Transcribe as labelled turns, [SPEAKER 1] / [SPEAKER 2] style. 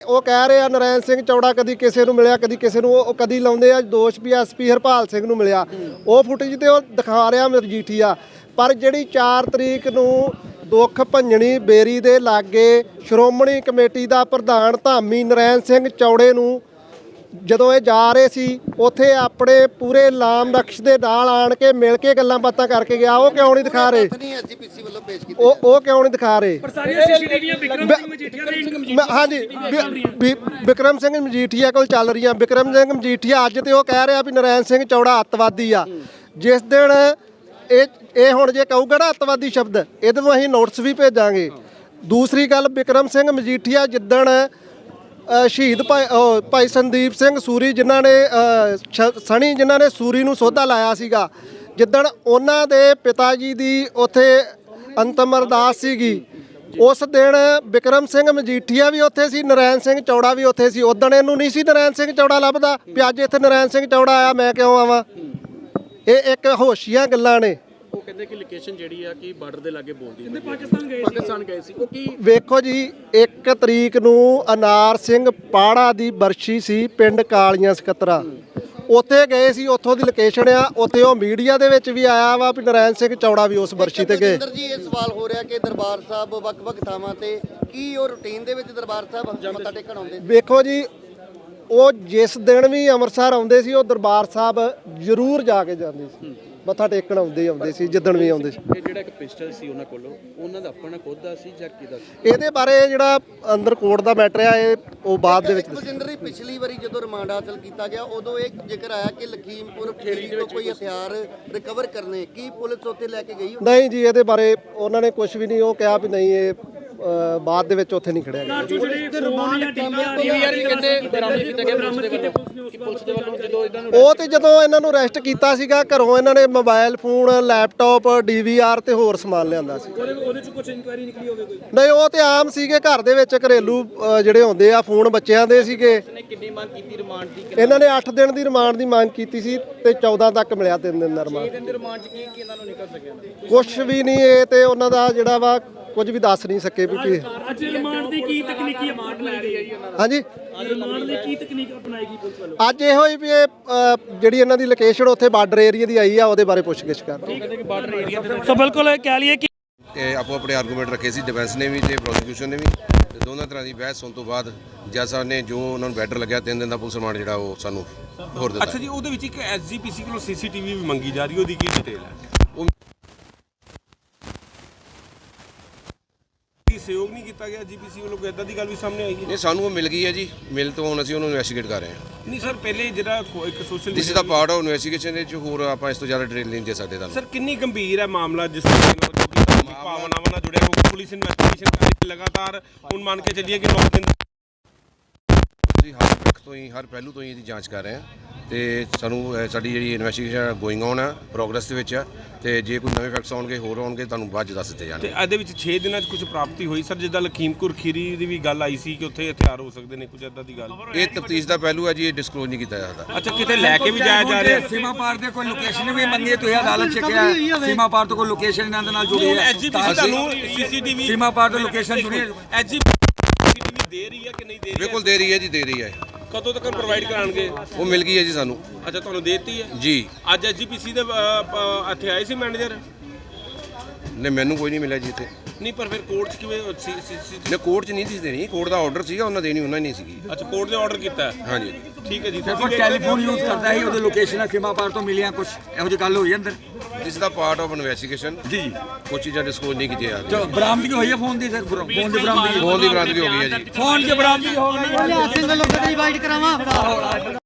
[SPEAKER 1] ਉਹ ਕਹਿ ਰਹੇ ਆ ਨਰੈਣ ਸਿੰਘ ਚੌੜਾ ਕਦੀ ਕਿਸੇ ਨੂੰ ਮਿਲਿਆ, ਕਦੀ ਕਿਸੇ ਨੂੰ, ਉਹ ਕਦੀ ਲਾਉਂਦੇ ਆ ਦੋਸ਼ ਵੀ ਐਸਪੀ ਹਰਪਾਲ ਸਿੰਘ ਨੂੰ ਮਿਲਿਆ। ਉਹ ਫੁਟੇਜ ਤੇ ਉਹ ਦਿਖਾ ਰਿਹਾ ਮਜੀਠੀਆ। ਪਰ ਜਿਹੜੀ 4 ਤਰੀਕ ਨੂੰ ਦੁੱਖ ਭੰਜਣੀ ਬੇਰੀ ਦੇ ਲਾਗੇ ਸ਼੍ਰੋਮਣੀ ਕਮੇਟੀ ਦਾ ਪ੍ਰਧਾਨ ਧਾਮੀ ਨਰੈਣ ਸਿੰਘ ਚੌੜੇ ਨੂੰ ਜਦੋਂ ਇਹ ਜਾ ਰਹੇ ਸੀ, ਉੱਥੇ ਆਪਣੇ ਪੂਰੇ ਲਾਮ ਨਕਸ਼ ਦੇ ਨਾਲ ਆਣ ਕੇ ਮਿਲ ਕੇ ਗੱਲਾਂ ਬਾਤਾਂ ਕਰਕੇ ਗਿਆ। ਉਹ ਕਿਉਂ ਨਹੀਂ ਦਿਖਾ ਰਹੇ? ਉਹ ਕਿਉਂ ਨਹੀਂ ਦਿਖਾ ਰਹੇ? ਹਾਂਜੀ, ਬਿਕਰਮ ਸਿੰਘ ਮਜੀਠੀਆ ਕੋਲ ਚੱਲ ਰਹੀਆਂ। ਬਿਕਰਮ ਸਿੰਘ ਮਜੀਠੀਆ ਅੱਜ ਤੇ ਉਹ ਕਹਿ ਰਿਹਾ ਵੀ ਨਰੈਣ ਸਿੰਘ ਚੌੜਾ ਅੱਤਵਾਦੀ ਆ। ਜਿਸ ਦਿਨ ਇਹ ਹੁਣ ਜੇ ਕਹੂਗਾ ਨਾ ਅੱਤਵਾਦੀ ਸ਼ਬਦ, ਇਹਦੇ ਨੂੰ ਅਸੀਂ ਨੋਟਿਸ ਵੀ ਭੇਜਾਂਗੇ। ਦੂਸਰੀ ਗੱਲ, ਬਿਕਰਮ ਸਿੰਘ ਮਜੀਠੀਆ ਜਿੱਦਣ ਸ਼ਹੀਦ ਭਾਈ ਸੰਦੀਪ ਸਿੰਘ ਸੂਰੀ ਜਿਨ੍ਹਾਂ ਨੇ ਸਣੀ ਜਿਨ੍ਹਾਂ ਨੇ ਸੂਰੀ ਨੂੰ ਸੋਧਾ ਲਾਇਆ ਸੀਗਾ, ਜਿੱਦਣ ਉਹਨਾਂ ਦੇ ਪਿਤਾ ਜੀ ਦੀ ਉੱਥੇ ਅੰਤਮ ਅਰਦਾਸ ਸੀਗੀ, ਉਸ ਦਿਨ ਬਿਕਰਮ ਸਿੰਘ ਮਜੀਠੀਆ ਵੀ ਉੱਥੇ ਸੀ, ਨਰੈਣ ਸਿੰਘ ਚੌੜਾ ਵੀ ਉੱਥੇ ਸੀ। ਉਦਣ ਇਹਨੂੰ ਨਹੀਂ ਸੀ ਨਰੈਣ ਸਿੰਘ ਚੌੜਾ ਲੱਭਦਾ ਵੀ ਅੱਜ ਇੱਥੇ ਨਰੈਣ ਸਿੰਘ ਚੌੜਾ ਆਇਆ, ਮੈਂ ਕਿਉਂ ਆਵਾਂ? ਇਹ ਇੱਕ ਹੋਸ਼ੀਆਂ ਗੱਲਾਂ ਨੇ।
[SPEAKER 2] ਉਹ ਕਹਿੰਦੇ ਕਿ ਲੋਕੇਸ਼ਨ ਜਿਹੜੀ ਆ ਕਿ ਬਾਰਡਰ ਦੇ ਲਾਗੇ ਬੋਲਦੀ ਹੈ। ਪਾਕਿਸਤਾਨ ਗਏ ਸੀ। ਉਹ ਕੀ
[SPEAKER 1] ਵੇਖੋ ਜੀ, 1 ਤਰੀਕ ਨੂੰ ਅਨਾਰ ਸਿੰਘ ਪਾੜਾ ਦੀ ਬਰਸ਼ੀ ਸੀ ਪਿੰਡ ਕਾਲੀਆਂ ਸਕੱਤਰਾ, ਉੱਥੇ ਗਏ ਸੀ। ਉੱਥੋਂ ਦੀ ਲੋਕੇਸ਼ਨ ਆ। ਉੱਥੇ ਉਹ ਮੀਡੀਆ ਦੇ ਵਿੱਚ ਵੀ ਆਇਆ ਵਾ ਵੀ ਨਰੈਣ ਸਿੰਘ ਚੌੜਾ ਵੀ ਉਸ ਬਰਸ਼ੀ ਤੇ ਗਏ।
[SPEAKER 3] ਜੀ ਇਹ ਸਵਾਲ ਹੋ ਰਿਹਾ ਕਿ ਦਰਬਾਰ ਸਾਹਿਬ ਵੱਖ-ਵੱਖ ਥਾਵਾਂ ਤੇ ਕੀ ਉਹ ਰੂਟੀਨ ਦੇ ਵਿੱਚ ਦਰਬਾਰ ਸਾਹਿਬ ਮੱਥਾ ਟੇਕਣ ਆਉਂਦੇ?
[SPEAKER 1] ਵੇਖੋ ਜੀ, ਉਹ ਜਿਸ ਦਿਨ ਵੀ ਅੰਮ੍ਰਿਤਸਰ ਆਉਂਦੇ ਸੀ, ਉਹ ਦਰਬਾਰ ਸਾਹਿਬ ਜ਼ਰੂਰ ਜਾ ਕੇ ਜਾਂਦੇ ਸੀ, ਮੱਥਾ ਟੇਕਣ ਆਉਂਦੇ ਸੀ ਜਿੱਦਣ ਵੀ ਆਉਂਦੇ ਸੀ।
[SPEAKER 2] ਇਹ ਜਿਹੜਾ ਇੱਕ ਪਿਸਟਲ ਸੀ ਉਹਨਾਂ ਕੋਲੋਂ, ਉਹਨਾਂ ਦਾ ਆਪਣਾ ਖੁਦ ਦਾ ਸੀ ਜਾਂ ਕਿਹਦਾ ਸੀ?
[SPEAKER 1] ਇਹਦੇ ਬਾਰੇ ਜਿਹੜਾ ਅੰਦਰ ਕੋਰਟ ਦਾ ਮੈਟਰ ਆ, ਇਹ ਉਹ ਬਾਅਦ ਦੇ ਵਿੱਚ
[SPEAKER 3] ਬਜਿੰਦਰ ਜੀ, ਪਿਛਲੀ ਵਾਰੀ ਜਦੋਂ ਰਿਮਾਂਡ ਹਾਸਲ ਕੀਤਾ ਗਿਆ ਉਦੋਂ ਇਹ ਜ਼ਿਕਰ ਆਇਆ ਕਿ ਲਖੀਮਪੁਰ ਖੀਰੀ ਤੋਂ ਕੋਈ ਹਥਿਆਰ ਰਿਕਵਰ ਕਰਨੇ, ਕੀ ਪੁਲਿਸ ਉੱਥੇ ਲੈ ਕੇ ਗਈ?
[SPEAKER 1] ਨਹੀਂ ਜੀ, ਇਹਦੇ ਬਾਰੇ ਉਹਨਾਂ ਨੇ ਕੁਝ ਵੀ ਨਹੀਂ ਉਹ ਕਿਹਾ ਵੀ ਨਹੀਂ, ਇਹ ਬਾਅਦ ਦੇ ਵਿੱਚ ਉੱਥੇ ਨਹੀਂ ਖੜਿਆ ਗਿਆ। ਉਹ ਤੇ ਜਦੋਂ ਇਹਨਾਂ ਨੂੰ ਅਰੈਸਟ ਕੀਤਾ ਸੀਗਾ, ਘਰੋਂ ਇਹਨਾਂ ਨੇ ਮੋਬਾਈਲ ਫੋਨ, ਲੈਪਟਾਪ, DVR ਤੇ ਹੋਰ ਸਮਾਨ ਲਿਆਂਦਾ ਸੀ।
[SPEAKER 4] ਉਹਦੇ ਚ ਕੁਝ ਇਨਕੁਆਇਰੀ ਨਿਕਲੀ ਹੋਵੇ ਕੋਈ?
[SPEAKER 1] ਨਹੀਂ, ਉਹ ਤੇ ਆਮ ਸੀਗੇ, ਘਰ ਦੇ ਵਿੱਚ ਘਰੇਲੂ ਜਿਹੜੇ ਹੁੰਦੇ ਆ, ਫੋਨ ਬੱਚਿਆਂ ਦੇ ਸੀਗੇ।
[SPEAKER 2] ਕਿੰਨੀ ਮੰਗ ਕੀਤੀ ਰਿਮਾਂਡ ਦੀ?
[SPEAKER 1] ਇਹਨਾਂ ਨੇ 8 ਦਿਨ ਦੀ ਰਿਮਾਂਡ ਦੀ ਮੰਗ ਕੀਤੀ ਸੀ ਤੇ 14 ਤੱਕ ਮਿਲਿਆ 3 ਦਿਨ ਦਾ ਰਿਮਾਂਡ।
[SPEAKER 2] 6 ਦਿਨ ਦੇ ਰਿਮਾਂਡ ਚ ਕੀ ਇਹਨਾਂ ਨੂੰ ਨਿਕਲ ਸਕਿਆ?
[SPEAKER 1] ਕੁਛ ਵੀ ਨਹੀਂ। ਇਹ ਤੇ ਉਹਨਾਂ ਦਾ ਜਿਹੜਾ ਵਾ ਕੁਝ ਵੀ ਦੱਸ ਨਹੀਂ ਸਕੇ ਵੀ
[SPEAKER 4] ਅੱਜ ਰਿਮਾਂਡ ਦੀ ਕੀ ਤਕਨੀਕੀ ਅਪਣਾਈ ਗਈ ਹੈ?
[SPEAKER 1] ਹਾਂਜੀ,
[SPEAKER 4] ਰਿਮਾਂਡ ਦੀ ਕੀ ਤਕਨੀਕ ਅਪਣਾਈ ਗਈ ਪੁਲਿਸ ਵੱਲੋਂ?
[SPEAKER 1] ਅੱਜ ਇਹੋ ਹੀ ਵੀ ਇਹ ਜਿਹੜੀ ਇਹਨਾਂ ਦੀ ਲੋਕੇਸ਼ਨ ਉੱਥੇ ਬਾਰਡਰ ਏਰੀਆ ਦੀ ਆਈ ਆ, ਉਹਦੇ ਬਾਰੇ ਪੁੱਛਗਿੱਛ ਕਰ ਰਹੇ।
[SPEAKER 4] ਸੋ ਬਿਲਕੁਲ ਕਹਿ ਲਈਏ ਕਿ
[SPEAKER 5] ਆਪੋ ਆਪਣੇ ਆਰਗੂਮੈਂਟ ਰੱਖੇ ਸੀ, ਡਿਫੈਂਸ ਨੇ ਵੀ ਤੇ ਪ੍ਰੋਸੀਕਿਊਸ਼ਨ ਨੇ ਵੀ, ਤੇ ਦੋਨਾਂ ਤਰ੍ਹਾਂ ਦੀ ਬਹਿਸ ਹੋਣ ਤੋਂ ਬਾਅਦ ਜੱਜ ਸਾਹਿਬ ਨੇ ਜੋ ਉਹਨਾਂ ਨੂੰ ਬੈਟਰ ਲੱਗਿਆ 3 ਦਿਨ ਦਾ ਪੁਲਿਸ ਰਿਮਾਂਡ ਜਿਹੜਾ ਉਹ ਸਾਨੂੰ ਹੋਰ ਦਿੱਤਾ।
[SPEAKER 6] ਅੱਛਾ ਜੀ, ਉਹਦੇ ਵਿੱਚ ਇੱਕ SGPC ਕੋਲੋਂ CCTV ਵੀ ਮੰਗੀ ਜਾ ਰਹੀ, ਉਹਦੀ ਕੀ ਡਿਟੇਲ ਹੈ? ਸਹਿਯੋਗ ਨਹੀਂ ਕੀਤਾ ਗਿਆ GPC ਵੱਲੋਂ, ਕੋਈ ਇਦਾਂ ਦੀ ਗੱਲ ਵੀ ਸਾਹਮਣੇ ਆਈ ਹੈ?
[SPEAKER 5] ਨਹੀਂ, ਸਾਨੂੰ ਉਹ ਮਿਲ ਗਈ ਹੈ ਜੀ, ਮਿਲ ਤੋਂ ਹੁਣ ਅਸੀਂ ਉਹਨੂੰ ਇਨਵੈਸਟੀਗੇਟ ਕਰ ਰਹੇ ਹਾਂ।
[SPEAKER 6] ਨਹੀਂ ਸਰ, ਪਹਿਲੇ ਜਿਹੜਾ ਇੱਕ social
[SPEAKER 5] this is the part of investigation ਦੇ ਚ ਹੋਰ ਆਪਾਂ ਇਸ ਤੋਂ ਜ਼ਿਆਦਾ ਡਿਟੇਲ ਨਹੀਂ ਦੇ ਸਕਦੇ ਤੁਹਾਨੂੰ।
[SPEAKER 6] ਸਰ, ਕਿੰਨੀ ਗੰਭੀਰ ਹੈ ਮਾਮਲਾ ਜਿਸ ਭਾਵਨਾਵਾਂ ਨਾਲ ਜੁੜਿਆ ਹੋਇਆ? ਪੁਲਿਸ ਇਨਵੈਸਟੀਗੇਸ਼ਨ ਕਰ ਰਹੀ ਲਗਾਤਾਰ, ਹੁਣ ਮੰਨ ਕੇ ਚੱਲੀਏ ਕਿ 9 ਦਿਨ ਅਸੀਂ ਹਰ ਪੱਖ ਤੋਂ ਹੀ, ਹਰ ਪਹਿਲੂ ਤੋਂ ਹੀ ਇਹਦੀ ਜਾਂਚ ਕਰ ਰਹੇ ਹਾਂ ਤੇ ਸਾਨੂੰ ਸਾਡੀ ਜਿਹੜੀ ਇਨਵੈਸਟੀਗੇਸ਼ਨ ਗੋਇੰਗ ਔਨ ਹੈ, ਪ੍ਰੋਗਰੈਸ ਦੇ ਵਿੱਚ ਹੈ, ਤੇ ਜੇ ਕੋਈ ਨਵੇਂ ਫੈਕਟਸ ਆਉਣਗੇ, ਹੋਰ ਆਉਣਗੇ, ਤੁਹਾਨੂੰ ਬਾਅਦ 'ਚ ਦੱਸ ਦਿੱਤੇ ਜਾਣਗੇ। ਤੇ ਇਹਦੇ ਵਿੱਚ 6 ਦਿਨਾਂ 'ਚ ਕੁਝ ਪ੍ਰਾਪਤੀ ਹੋਈ ਸਰ? ਜਿੱਦਾਂ ਲਖੀਮਪੁਰ ਖੀਰੀ ਦੀ ਵੀ ਗੱਲ ਆਈ ਸੀ ਕਿ ਉੱਥੇ ਹਥਿਆਰ ਹੋ ਸਕਦੇ ਨੇ, ਕੁਝ ਇਦਾਂ ਦੀ ਗੱਲ?
[SPEAKER 5] ਇਹ ਤਫਤੀਸ਼ ਦਾ ਪਹਿਲੂ ਹੈ ਜੀ, ਇਹ ਡਿਸਕਲੋਜ਼ ਨਹੀਂ ਕੀਤਾ ਜਾਂਦਾ।
[SPEAKER 6] ਅੱਛਾ, ਕਿਤੇ ਲੈ ਕੇ ਵੀ ਜਾਇਆ ਜਾ ਰਿਹਾ?
[SPEAKER 7] ਸੀਮਾ ਪਾਰ ਦੇ ਕੋਈ ਲੋਕੇਸ਼ਨ ਵੀ ਮੰਗੀ, ਤੁਸੀਂ ਅਦਾਲਤ 'ਚ ਕਿਹਾ ਸੀਮਾ ਪਾਰ ਤੋਂ ਕੋਈ ਲੋਕੇਸ਼ਨ ਇਹਨਾਂ ਦੇ ਨਾਲ ਜੁੜੀ ਹੈ?
[SPEAKER 6] SGPC ਤੁਹਾਨੂੰ CCTV
[SPEAKER 7] ਸੀਮਾ ਪਾਰ ਤੋਂ ਲੋਕੇਸ਼ਨ ਜੁੜੀ ਹੈ?
[SPEAKER 6] SGPC ਦੇ ਰਹੀ ਹੈ ਕਿ ਨਹੀਂ ਦੇ ਰਹੀ?
[SPEAKER 5] ਬਿਲਕੁਲ ਦੇ ਰਹੀ ਹੈ ਜੀ, ਦੇ ਰਹੀ ਹੈ।
[SPEAKER 6] ਕਦੋਂ ਤੱਕ ਪ੍ਰੋਵਾਈਡ ਕਰਾਣਗੇ?
[SPEAKER 5] ਉਹ ਮਿਲ ਗਈ ਹੈ ਜੀ ਸਾਨੂੰ।
[SPEAKER 6] ਅੱਛਾ, ਤੁਹਾਨੂੰ ਦੇ ਦਿੱਤੀ ਹੈ
[SPEAKER 5] ਜੀ।
[SPEAKER 6] ਅੱਜ SGPC ਦੇ ਇੱਥੇ ਆਏ ਸੀ ਮੈਨੇਜਰ?
[SPEAKER 5] ਨਹੀਂ, ਮੈਨੂੰ ਕੋਈ ਨਹੀਂ ਮਿਲਿਆ ਜੀ ਇੱਥੇ।
[SPEAKER 6] ਨਹੀਂ, ਪਰ ਫਿਰ ਕੋਰਟ 'ਚ ਕਿਵੇਂ?
[SPEAKER 5] ਨਹੀਂ, ਕੋਰਟ 'ਚ ਨਹੀਂ ਸੀ ਦੇਣੀ, ਕੋਰਟ ਦਾ ਆਰਡਰ ਸੀਗਾ, ਉਹਨਾਂ ਦੇਣੀ ਉਹਨਾਂ ਨਹੀਂ ਸੀਗੀ।
[SPEAKER 6] ਅੱਛਾ, ਕੋਰਟ ਨੇ ਆਰਡਰ ਕੀਤਾ ਹੈ?
[SPEAKER 5] ਹਾਂਜੀ,
[SPEAKER 6] ਠੀਕ ਹੈ ਜੀ।
[SPEAKER 7] ਕੋਈ ਟੈਲੀਫੋਨ ਯੂਜ਼ ਕਰਦਾ ਸੀ, ਉਹਦੇ ਲੋਕੇਸ਼ਨ ਸੀਮਾ ਪਾਰ ਤੋਂ ਮਿਲੀਆਂ, ਕੁਝ ਇਹੋ ਜਿਹੀ ਗੱਲ ਹੋਈ ਅੰਦਰ?
[SPEAKER 5] This the part of investigation ਜੀ। ਕੁਝ ਚੀਜ਼ਾਂ ਡਿਸਕਲੋਜ਼ ਨਹੀਂ ਕੀਤੀਆਂ ਜਾ ਰਹੀਆਂ।
[SPEAKER 7] ਬਰਾਮਦਗੀ ਹੋਈ ਹੈ ਫੋਨ ਦੀ ਸਰ? ਫੋਨ ਦੀ ਬਰਾਮਦਗੀ?
[SPEAKER 5] ਫੋਨ ਦੀ ਬਰਾਮਦਗੀ ਹੋ ਗਈ ਹੈ ਜੀ।
[SPEAKER 7] ਫੋਨ ਦੀ ਬਰਾਮਦਗੀ ਹੋ ਗਈ ਹੈ।
[SPEAKER 3] ਸਿੰਘ ਵੱਲੋਂ ਗੱਡੀ ਵਾਈਟ ਕਰਾਵਾਂ